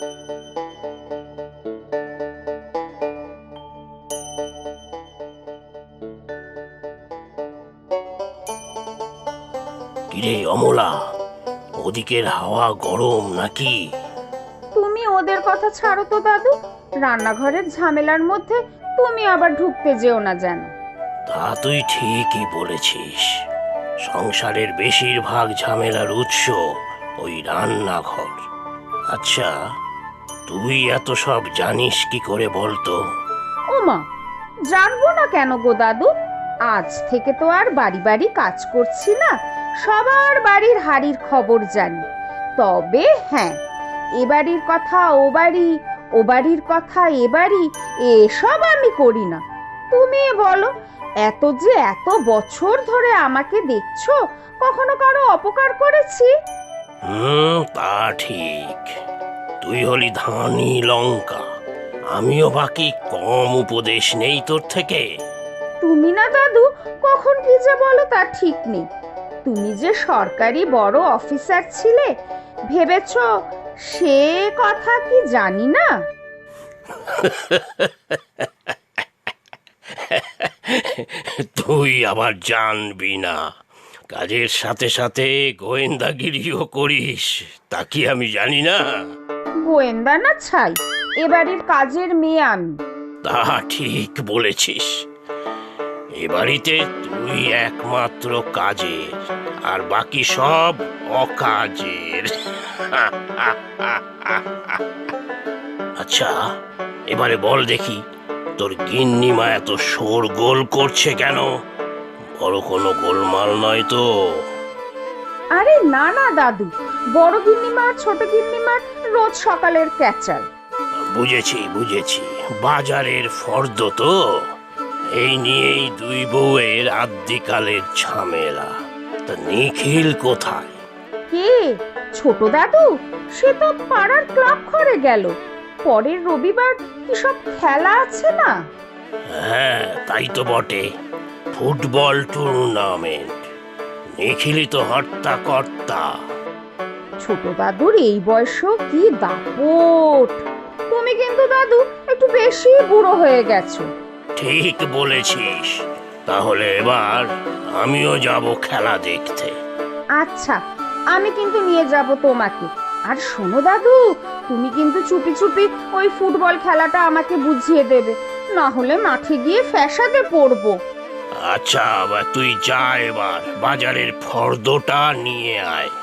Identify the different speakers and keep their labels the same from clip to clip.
Speaker 1: কিরে অমলা, ওদিকের হাওয়া গরম নাকি?
Speaker 2: তুমি ওদের কথা ছাড়ো তো দাদু, রান্নাঘরের ঝামেলার মধ্যে তুমি আবার ঢুকতে যেও না যেন।
Speaker 1: তা তুই ঠিকই বলেছিস, সংসারের বেশিরভাগ ঝামেলার উৎস ওই রান্নাঘর। আচ্ছা, তুই এত সব জানিস কি করে বলতো?
Speaker 2: ওমা, জানবো না কেন গো দাদু? আজ থেকে তো আর বাড়ি বাড়ি কাজ করছি না, সবার বাড়ির হাড়ির খবর জানি। তবে হ্যাঁ, এ বাড়ির কথা ও বাড়ি, ও বাড়ির কথা এ বাড়ি, এসব আমি করি না। তুমি বলো, এত বছর ধরে আমাকে দেখছো, কখনো কারো অপকার করেছি?
Speaker 1: তা ঠিক। তুই হলি ধানি লঙ্কা, আমিও বাকি কম উপদেশ নেই তোর থেকে।
Speaker 2: তুমি না দাদু কখন কি যে বলো তা ঠিক নেই। তুমি যে সরকারি বড় অফিসার ছিলে, ভেবেছ সে কথা কি জানি না?
Speaker 1: তুই আবার জানবি না, কাজের সাথে সাথে গোয়েন্দাগিরিও করিস, তা কি আমি জানি না?
Speaker 2: গোয়েন্দা না ছাই, এ বাড়ির কাজের মেয়ে আমি।
Speaker 1: তা ঠিক বলেছিস, এ বাড়িতে তুই একমাত্র কাজের, আর বাকি সব অকাজের। আচ্ছা, এবারে বল দেখি, তোর গিন্নিমা এত শোরগোল করছে কেন? বড় কোনো গোলমাল নয় তো?
Speaker 2: আরে না না দাদু, বড় গিন্নিমা ছোট গিন্নিমার রোজ সকালের ক্যাচাল।
Speaker 1: বুঝেছি, বাজারের ফর্দ তো। এই নিয়েই দুই বউয়ের আদ্যিকালের ঝামেলা। তা নিখিল কোথায়?
Speaker 2: কে? ছোট দাদু? সে তো পাড়ার ক্লাব ঘরে গেল। পরের রবিবার কি সব খেলা আছে না?
Speaker 1: হ্যাঁ, তাই তো বটে, ফুটবল টুর্নামেন্ট। নিখিলই তো হর্তা কর্তা।
Speaker 2: ছোট দাদুর এই বয়সেও কি দাপট! তুমি কিন্তু দাদু একটু বেশি বুড়ো হয়ে গেছো।
Speaker 1: ঠিক বলেছিস, তাহলে এবার আমিও যাব খেলা দেখতে।
Speaker 2: আচ্ছা, আমি কিন্তু নিয়ে যাব তোমাকে। আর শোনো দাদু, তুমি কিন্তু চুপি চুপি ওই ফুটবল খেলাটা আমাকে বুঝিয়ে দেবে, না হলে মাঠে গিয়ে ফ্যাসাদে পড়বো।
Speaker 1: আচ্ছা, তুই যা, এবার বাজারের ফর্দটা নিয়ে আয়।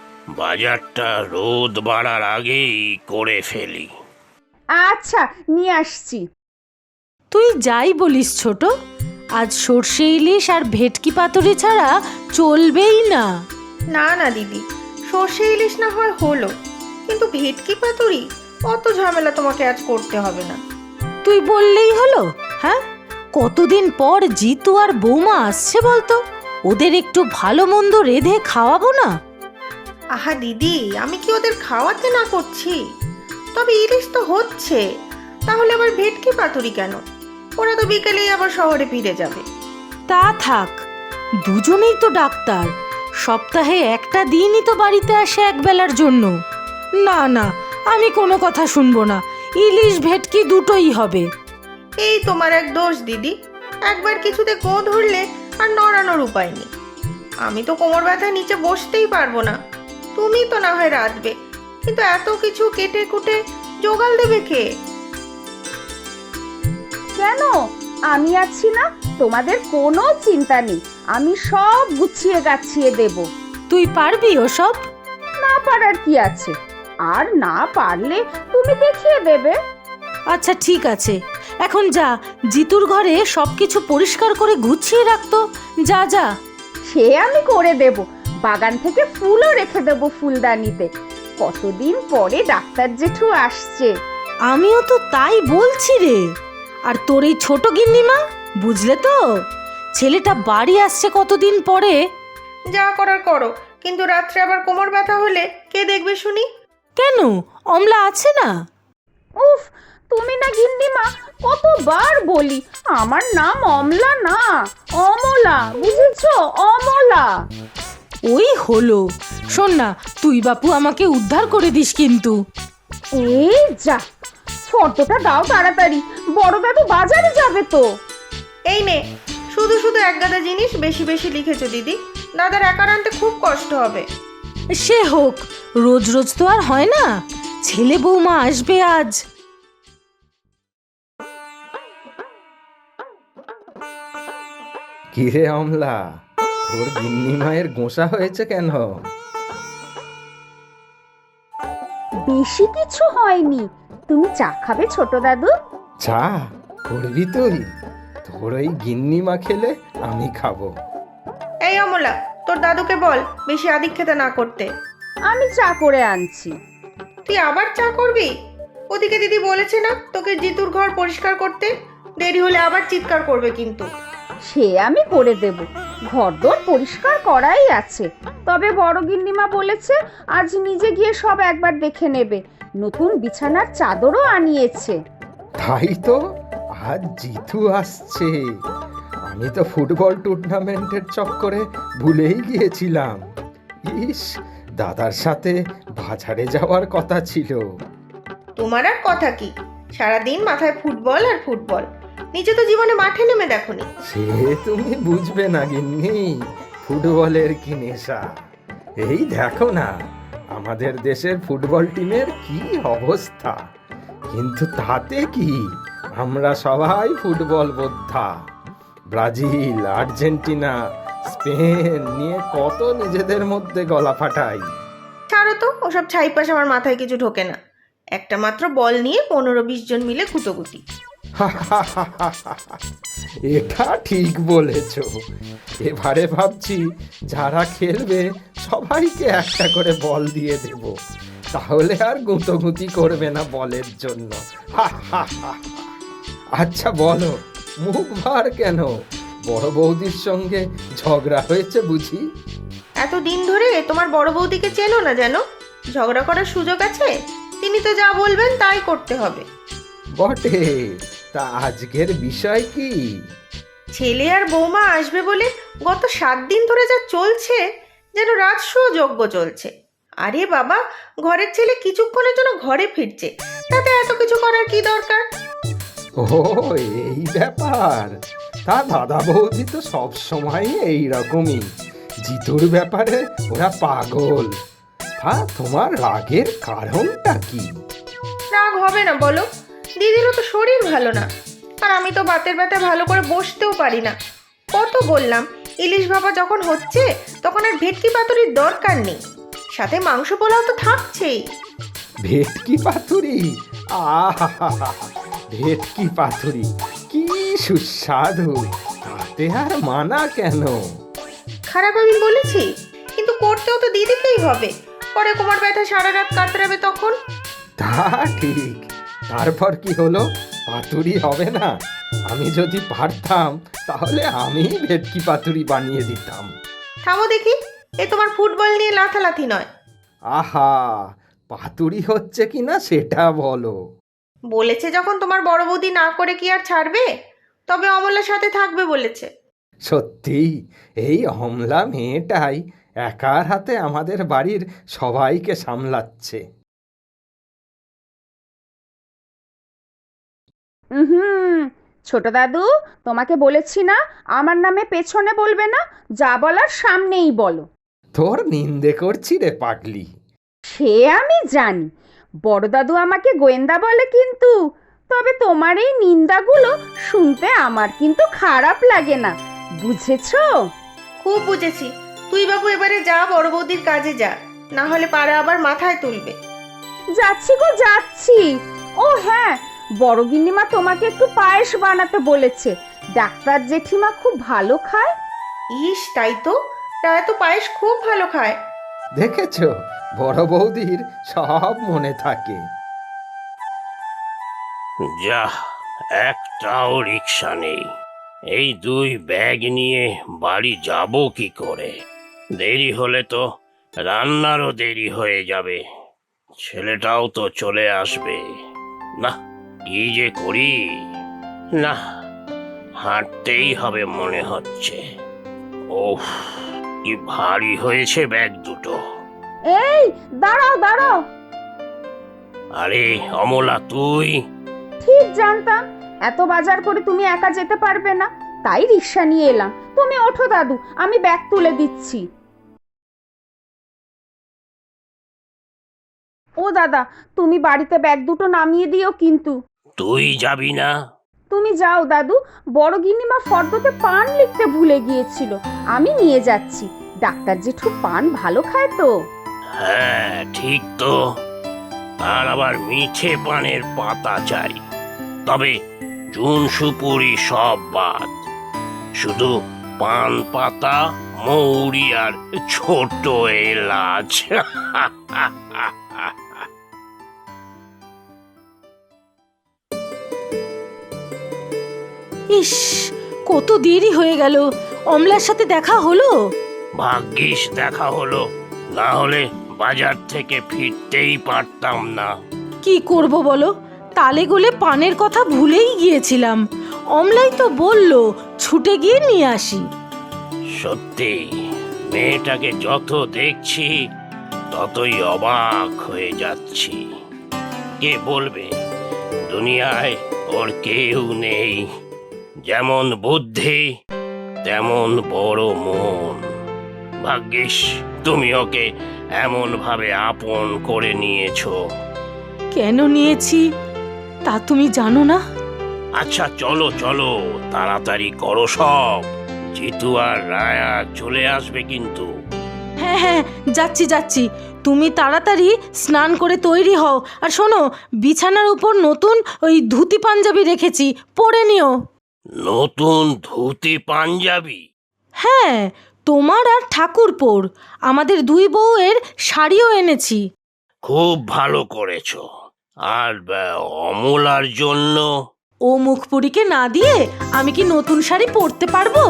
Speaker 1: বাজারটা রোদ বাড়ার আগেই করে ফেলি।
Speaker 2: আচ্ছা, নিয়ে আসছি।
Speaker 3: তুই যাই বলিস ছোট, আজ সর্ষে ইলিশ আর ভেটকি পাতুরি ছাড়া চলবেই না।
Speaker 4: না না দিদি, সর্ষে ইলিশ না হয় হলো, কিন্তু ভেটকি পাতুরি অত ঝামেলা তোমাকে আজ করতে হবে না।
Speaker 3: তুই বললেই হলো? হ্যাঁ, কতদিন পর জিতু আর বৌমা আসছে বলতো, ওদের একটু ভালো মন্দ রেঁধে খাওয়াবো না?
Speaker 4: আহা দিদি, আমি কি ওদের খাওয়াতে না করছি? তবে ইলিশ তো হচ্ছে, তাহলে আবার ভেটকি পাতুরি কেন? ওরা তো বিকেলেই আবার শহরে ফিরে যাবে।
Speaker 3: তা থাক, দুজনেই তো ডাক্তার, সপ্তাহে একটা দিনই তো বাড়িতে আসে একবেলার জন্য। না না, আমি কোনো কথা শুনবো না, ইলিশ ভেটকি দুটোই হবে।
Speaker 4: এই তোমার এক দোষ দিদি, একবার কিছুতে গো ধরলে আর নড়ানোর উপায় নেই। আমি তো কোমর ব্যথা নিচে বসতেই পারবো না, তুমি তো না হয় রাঁধবে, কিন্তু এত কিছু কেটে কুটে জোগাল দেবে কে?
Speaker 2: কেন? আমি আছি না, তোমাদের কোনো চিন্তা নেই, আমি সব গুছিয়ে গাছিয়ে দেব।
Speaker 3: তুই পারবি ওসব?
Speaker 2: না পারার কি আছে, আর না পারলে তুমি দেখিয়ে দেবে।
Speaker 3: আচ্ছা ঠিক আছে, এখন যা, জিতুর ঘরে সবকিছু পরিষ্কার করে গুছিয়ে রাখতো। যা যা।
Speaker 2: সে আমি করে দেব, বাগান থেকে ফুলও রেখে দেব ফুলদানিতে। কতদিন পরে ডাক্তার জেঠু আসছে।
Speaker 3: আমিও তো তাই বলছি রে। আর তোর এই ছোট গিন্নিমা, বুঝলে তো, ছেলেটা বাড়ি আসছে কতদিন পরে।
Speaker 4: যা করার করো, কিন্তু রাত্রে আবার কোমর ব্যথা হলে কে দেখবে শুনি?
Speaker 3: কেন, অমলা আছে না?
Speaker 2: উফ, তুমি না গিন্নিমা, কতবার বলি আমার নাম অমলা না, অমলা, বুঝেছো? অমলা।
Speaker 3: ওই হলো। শোন না, তুই বাপু আমাকে উদ্ধার করে দিস কিন্তু।
Speaker 2: এই যা, ফটোটা দাও তাড়াতাড়ি, বড় দাদু বাজারে যাবে তো।
Speaker 4: এই নে, শুধু শুধু এক গাদা জিনিস বেশি বেশি লিখেছো দিদি, দাদার একার আনতে খুব কষ্ট হবে।
Speaker 3: সে হোক, রোজ রোজ তো আর হয় না। ছেলে বৌমা আসবে আজ।
Speaker 5: কিরে অমলা, তোর গিন্নি মায়ের গোসা হয়েছে কেন?
Speaker 2: বেশি কিছু হয়নি, তুমি চা খাবে ছোট দাদু?
Speaker 5: চা করবি তুই? তোর ওই গিন্নি মা খেলে আমি খাবো।
Speaker 4: এই অমলা, তোর দাদুকে বল বেশি আদিক্ষেতা না করতে।
Speaker 2: আমি চা করে আনছি।
Speaker 4: তুই আবার চা করবি? ওদিকে দিদি বলেছে না তোকে জিতুর ঘর পরিষ্কার করতে, দেরি হলে আবার চিৎকার করবে কিন্তু।
Speaker 2: সে আমি করে দেব, ঘরদোর পরিষ্কার করাই আছে। তবে বড় গিন্নিমা বলেছে আজ নিজে গিয়ে সব একবার দেখে নেবে, নতুন বিছানার চাদরও আনিয়েছে।
Speaker 5: তাই তো, আজ জিতু আসছে। আমি তো ফুটবল টুর্নামেন্টের চক্করে ভুলেই গিয়েছিলাম। ইস, দাদার সাথে বাজারে যাওয়ার কথা ছিল।
Speaker 4: তোমার আর কথা কি, সারাদিন মাথায় ফুটবল আর ফুটবল, নিজে তো জীবনে মাঠে নেমে দেখোনি।
Speaker 5: সে তুমি বুঝবে না গিন্নি, ফুটবলের কি নেশা। এই দেখো না, আমাদের দেশের ফুটবল টিমের কি অবস্থা। কিন্তু তাতে কি, আমরা সবাই ফুটবল বোদ্ধা। ব্রাজিল, আর্জেন্টিনা, স্পেন নিয়ে কত নিজেদের মধ্যে গলা ফাটাই।
Speaker 4: ছাড়ো তো, ওসব ছাইপাশ আমার মাথায় কিছু ঢোকে না। একটা মাত্র বল নিয়ে 15-20 জন মিলে কুটোকুটি।
Speaker 5: এটা ঠিক বলেছ। এবারে ভাবছি যারা খেলবে সবাইকে একটা করে বল দিয়ে দেব, তাহলে আর গুঁতোগুঁতি করবে না বলের জন্য। আচ্ছা বলো, মুখ ভার কেন? বড় বৌদির সঙ্গে ঝগড়া হয়েছে বুঝি?
Speaker 4: এতদিন ধরে তোমার বড় বৌদিকে চেনো না যেন, ঝগড়া করার সুযোগ আছে? তিনি তো যা বলবেন তাই করতে হবে।
Speaker 5: বটে, তা আজকের বিষয় কি?
Speaker 4: ছেলে আর বৌমা আসবে বলে গত 7 দিন ধরে যা চলছে, যেন রাজসূয় যজ্ঞ চলছে। আরে বাবা, ঘরের ছেলে কিছুক্ষণের জন্য ঘরে ফিরছে, তাতে এত কিছু করার কি দরকার?
Speaker 5: ও, এই ব্যাপার। তা দাদা বৌদি তো সব সময় এইরকমই, জিতুর ব্যাপারে ওরা পাগল। তা তোমার রাগের কারণটা কি?
Speaker 4: রাগ হবে না বলো, দিদিরও তো শরীর ভালো না, আর আমি তো বাতের ব্যথা ভালো করে বসতেও পারি না। কত বললাম, ইলিশ ভাপা যখন হচ্ছে তখন আর ভেটকি পাতুরির দরকার নেই, সাথে মাংস পোলাও তো থাকছেই।
Speaker 5: ভেটকি পাতুরি, আহা, ভেটকি পাতুরি কি সুস্বাদু, তাতে আর মানা কেন?
Speaker 4: খারাপ আমি বলেছি? কিন্তু করতেও তো দিদিকেই হবে, পরে কোমর ব্যথা সারা রাত কাতরাবে তখন।
Speaker 5: তা ঠিক, তারপর কি হলো? পাতুরি হবে না? আমি যদি পারতাম তাহলে আমি ভেটকি পাতুরি বানিয়ে দিতাম।
Speaker 4: থামো দেখি, এ তোমার ফুটবল নিয়ে লাথালাথি নয়।
Speaker 5: আহা, পাতুরি হচ্ছে কিনা সেটা বলো।
Speaker 4: বলেছে যখন তোমার বড় বৌদি না করে কি আর ছাড়বে? তবে অমলার সাথে থাকবে বলেছে।
Speaker 5: সত্যি, এই অমলা মেয়েটাই একার হাতে আমাদের বাড়ির সবাইকে সামলাচ্ছে।
Speaker 2: হুম, ছোট দাদু, তোমাকে বলেছি না আমার নামে পেছনে বলবে না, যা বলার সামনেই বলো।
Speaker 5: তোর নিন্দে করছি রে পাগলি।
Speaker 2: সে আমি জানি, বড় দাদু আমাকে গোয়েন্দা বলে কিন্তু। তবে তোমার এই নিন্দাগুলো শুনতে আমার কিন্তু খারাপ লাগে না, বুঝেছো?
Speaker 4: খুব বুঝেছি। তুই বাবু এবারে যা, বড় বৌদির কাজে যা, না হলে পাড়া আবার মাথায় তুলবে।
Speaker 2: যাচ্ছি গো যাচ্ছি। ও হ্যাঁ, বড় গিন্নিমা তোমাকে একটু পায়েস বানাতে বলেছে, ডাক্তার জেঠিমা খুব ভালো খায়।
Speaker 4: ইস, তাই তো, রায় তো পায়েস খুব ভালো খায়।
Speaker 5: দেখেছো, বড় বৌদির সব মনে থাকে।
Speaker 1: যা, একটাও রিক্সা নেই। এই 2 ব্যাগ নিয়ে বাড়ি যাব কি করে? দেরি হলে তো রান্নারও দেরি হয়ে যাবে, ছেলেটাও তো চলে আসবে। না, কি যে করি। না, হাঁটতেই হবে মনে হচ্ছে। ওহ, কি ভারী হয়েছে ব্যাগ দুটো।
Speaker 2: এই দাঁড়াও দাঁড়াও।
Speaker 1: আরে অমলা, তুই?
Speaker 2: ঠিক জানতাম এত বাজার করে তুমি একা যেতে পারবে না, তাই রিক্সা নিয়ে এলাম। তুমি ওঠো দাদু, আমি ব্যাগ তুলে দিচ্ছি। ও দাদা, তুমি বাড়িতে ব্যাগ দুটো নামিয়ে দিও কিন্তু।
Speaker 1: তুই যাবি না?
Speaker 2: তুমি যাও দাদু, বড় গিন্নিমা ফর্দতে পান লিখতে ভুলে গিয়েছিল, আমি নিয়ে যাচ্ছি। ডাক্তার জেঠু পান ভালো খায় তো।
Speaker 1: হ্যাঁ ঠিক তো, আর আবার মিঠে পানের পাতা চাই, তবে চুন সুপুরি সব বাদ, শুধু পান পাতা, মৌরি আর ছোট এলাচ।
Speaker 3: ইস, কত দেরি হয়ে গেল। অমলার সাথে দেখা হলো?
Speaker 1: ভাগ্যিস দেখা হলো, না হলে বাজার থেকে ফিরতেই পারতাম না।
Speaker 3: কি করব বলো, তালে গোলে পানের কথা ভুলেই গিয়েছিলাম। অমলাই তো বলল ছুটে গিয়ে নিয়ে আসি।
Speaker 1: সত্যি, মেয়েটাকে যত দেখছি ততই অবাক হয়ে যাচ্ছি। কে বলবে দুনিয়ায় ওর কেউ নেই, যেমন বুদ্ধি তেমন বড় মন। ভাগ্যিস তুমি ওকে এমন ভাবে আপন করে নিয়েছো।
Speaker 3: কেন নিয়েছি তা তুমি জানো না?
Speaker 1: আচ্ছা চলো চলো, তাড়াতাড়ি করো সব, জিতু আর রায়া চলে আসবে কিন্তু।
Speaker 3: হ্যাঁ হ্যাঁ, যাচ্ছি যাচ্ছি। তুমি তাড়াতাড়ি স্নান করে তৈরি হও। আর শোনো, বিছানার উপর নতুন ওই ধুতি পাঞ্জাবি রেখেছি, পরে নিও।
Speaker 1: নতুন ধুতি পাঞ্জাবি?
Speaker 3: হ্যাঁ, তোমার আর ঠাকুরপোর, আমাদের দুই বউয়ের শাড়িও এনেছি।
Speaker 1: খুব ভালো করেছো। আর অমলার জন্য?
Speaker 3: ও মুখপুরীকে না দিয়ে আমি কি নতুন শাড়ি পরতে পারবো?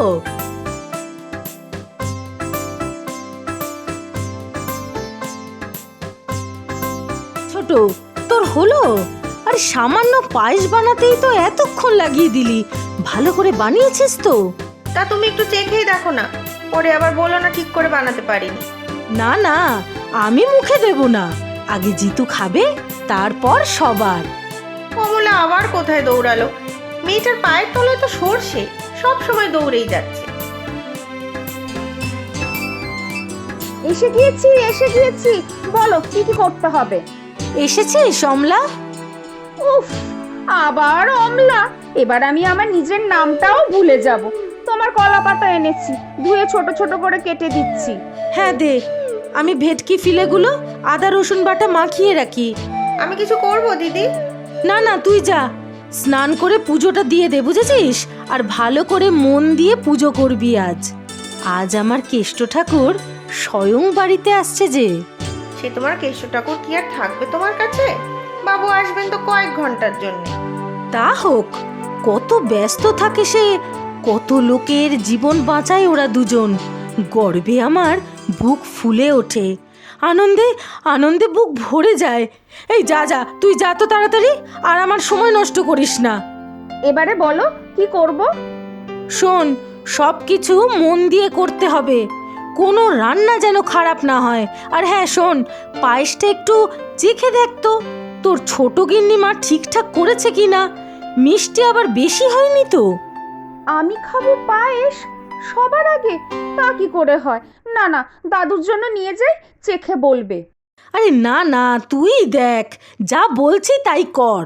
Speaker 3: ছোট, তোর হলো? আর সামান্য পায়েস বানাতেই তো এতক্ষণ লাগিয়ে দিলি। ভালো করে বানিয়েছিস তো?
Speaker 4: তা তুমি একটু চেখেই দেখো না, পরে আবার বলো না ঠিক করে বানাতে পারিনি।
Speaker 3: না না, আমি মুখে দেব না, আগে জিতু খাবে, তারপর সবার।
Speaker 4: কমলা আবার কোথায় দৌড়ালো? মেয়েটার পায়ের তলায় তো সরষে, সব সময় দৌড়েই যাচ্ছে।
Speaker 2: এসে গিয়েছি, বলো কি কি করতে হবে।
Speaker 3: এসেছিস অমলা?
Speaker 2: উফ, আবার অমলা! এবার আমি আমার নিজের নামটাও ভুলে যাব। তোমার কলা পাতা এনেছি, ধুয়ে ছোট ছোট করে কেটে দিচ্ছি।
Speaker 3: হ্যাঁ দে, আমি ভেটকি ফিলেগুলো আদা রসুন বাটা মাখিয়ে রাখি।
Speaker 4: আমি কিছু করব দিদি?
Speaker 3: না না, তুই যা, স্নান করে পুজোটা দিয়ে দে, বুঝেছিস? আর ভালো করে মন দিয়ে পুজো করবি আজ। আজ আমার কেষ্ট ঠাকুর স্বয়ং বাড়িতে আসছে যে।
Speaker 4: সে তোমার কেষ্ট ঠাকুর কি আর থাকবে তোমার কাছে? বাবু আসবেন তো কয়েক ঘন্টার জন্য।
Speaker 3: তা হোক, কত ব্যস্ত থাকে সে, কত লোকের জীবন বাঁচায় ওরা দুজন। গর্বে আমার বুক ফুলে ওঠে, আনন্দে আনন্দে বুক ভরে যায়। এই যা যা, তুই যা তো তাড়াতাড়ি, আর আমার সময় নষ্ট করিস না।
Speaker 2: এবারে বলো কি করব।
Speaker 3: শোন, সব কিছু মন দিয়ে করতে হবে, কোনো রান্না যেন খারাপ না হয়। আর হ্যাঁ শোন, পায়েসটা একটু চেখে দেখ তো, তোর ছোট গিন্নিমা ঠিকঠাক করেছে কিনা, মিষ্টি আবার বেশি হয়নি তো।
Speaker 2: আমি খাবো পায়েস সবার আগে? তা কি করে হয়? না না, দাদুর জন্য নিয়ে যাই, চেখে বলবে।
Speaker 3: আরে না না, তুই দেখ, যা বলছি তাই কর।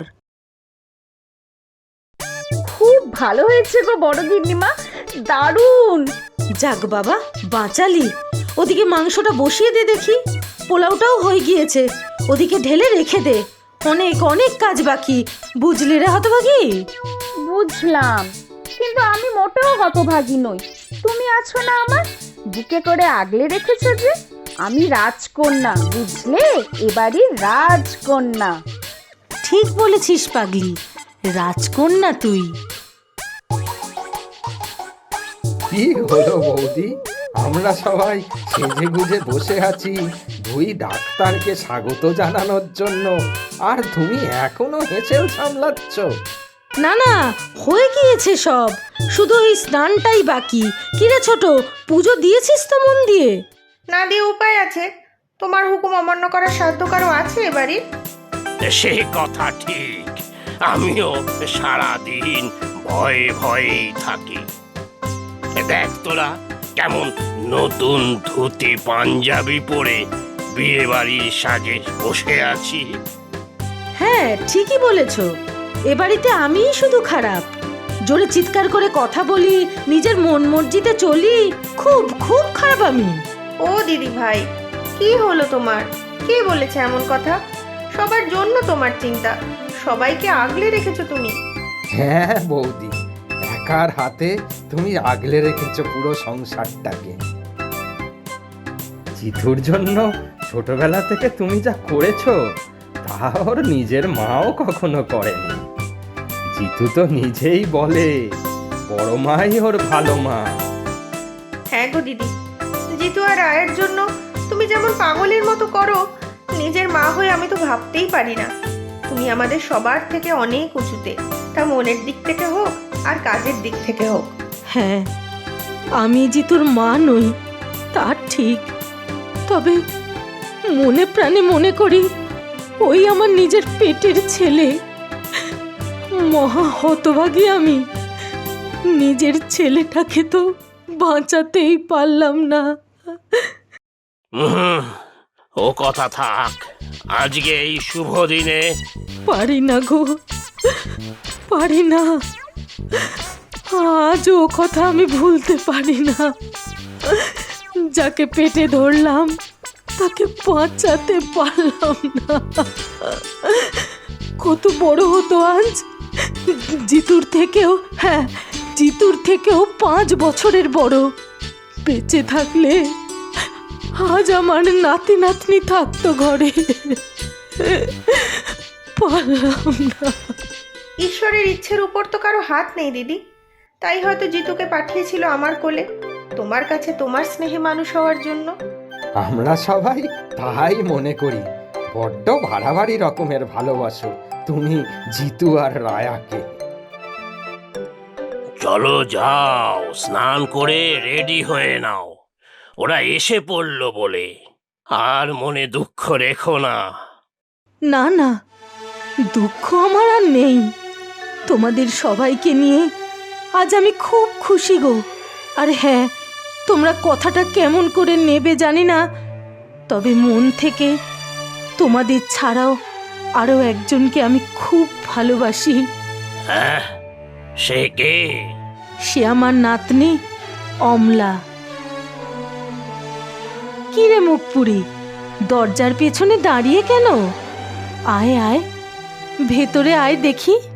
Speaker 2: খুব ভালো হয়েছে গো বড় গিন্নিমা, দারুণ।
Speaker 3: যাক বাবা, বাঁচালি। ওদিকে মাংসটা বসিয়ে দে দেখি, পোলাওটাও হয়ে গিয়েছে, ওদিকে ঢেলে রেখে দে। অনেক অনেক কাজ বাকি, বুঝলি রে হতভাগী?
Speaker 2: বুঝলাম, কিন্তু আমি মোটেও হতভাগী নই। তুমি আছো না আমার, বুকে করে আগলে রেখেছো যে। আমি রাজকন্যা, বুঝলে? এবারই রাজকন্যা।
Speaker 3: ঠিক বলেছিস পাগলি, রাজকন্যা তুই।
Speaker 5: কি হলো বৌদি, আমরা সবাই সেজে গুজে বসে আছি দুই ডাক্তারকে স্বাগত জানানোর জন্য, আর তুমি এখনো হেঁচেও সামলাচ্ছ?
Speaker 3: না না, হয়ে গিয়েছে সব, শুধু এই স্নানটাই বাকি। কিরে ছোট, পুজো দিয়েছিস তো মন দিয়ে?
Speaker 4: না দিয়ে উপায় আছে? তোমার হুকুম অমান্য করার সাধ্য কারো আছে এবারে?
Speaker 1: সে কথা ঠিক, আমিও সারাদিন ভয়ে ভয়েই থাকি। দেখ তোরা কেমন নতুন ধুতি পাঞ্জাবি পরে বিয়ে বাড়ির সাজে বসে আছি।
Speaker 3: হ্যাঁ ঠিকই বলেছ, এ বাড়িতে আমিই শুধু খারাপ। জোরে চিৎকার করে কথা বলি, নিজের মন মর্জিতে চলি, খুব খুব খারাপ আমি।
Speaker 4: ও দিদি ভাই, কি হলো তোমার? কে বলেছে এমন কথা? সবার জন্য তোমার চিন্তা, সবাইকে আগলে রেখেছো তুমি।
Speaker 5: হ্যাঁ বৌদি, একার হাতে তুমি আগলে রেখেছো পুরো সংসারটাকে। জিতুর জন্য ছোটবেলা থেকে তুমি যা করেছো তা ওর নিজের মাও কখনো করেনি। জিতু তো নিজেই বলে বড় মাই ওর ভালো মা।
Speaker 4: হ্যাঁ গো দিদি, জিতু আর রায়ের জন্য তুমি যেমন পাগলের মতো করো, নিজের মা হয়ে আমি তো ভাবতেই পারি না। তুমি আমাদের সবার থেকে অনেক উঁচুতে, তা মনের দিক থেকে হোক আর কাজের দিক থেকে হোক।
Speaker 3: হ্যাঁ, আমি জিতুর মা নই তা ঠিক, তবে মনে প্রাণে মনে করি ওই আমার নিজের পেটের ছেলে। মহা হতভাগী আমি, নিজের ছেলেটাকে তো বাঁচাতেই পারলাম না।
Speaker 1: ও কথা থাক, আজকে এই শুভ দিনে
Speaker 3: পারি না গো, পারি না। আজ ও কথা আমি ভুলতে পারি না। যাকে পেটে ধরলাম তাকে বাঁচাতে পারলাম না। কত বড় হতো আজ, জিতুর থেকেও, হ্যাঁ জিতুর থেকেও 5 বছরের বড়। বেঁচে থাকলে আজ আমার নাতি নাতনি থাকতো ঘরে। পারলাম না।
Speaker 4: ঈশ্বরের ইচ্ছের উপর তো কারো হাত নেই দিদি, তাই হয়তো জিতুকে পাঠিয়েছিল আমার কোলে, তোমার কাছে তোমার স্নেহে মানুষ হওয়ার জন্য।
Speaker 5: আমরা সবাই তাই মনে করি। বড্ড বাড়াবাড়ি রকমের ভালোবাসো তুমি জিতু আর রায়াকে।
Speaker 1: চলো যাও, স্নান করে রেডি হয়ে নাও, ওরা এসে পড়লো বলে। আর মনে দুঃখ রেখো না।
Speaker 3: না না, দুঃখ আমার আর নেই। তোমাদের সবাইকে নিয়ে আজ আমি খুব খুশি গো। আর হ্যাঁ, তোমরা কথাটা কেমন করে নেবে জানি না, তবে মন থেকে তোমাদের ছাড়াও আরও একজনকে আমি খুব ভালোবাসি।
Speaker 1: হ্যাঁ, সে কে?
Speaker 3: সে আমার নাতনি অমলা। কি রে মুখপুরি, দরজার পেছনে দাঁড়িয়ে কেন? আয় আয়, ভেতরে আয় দেখি।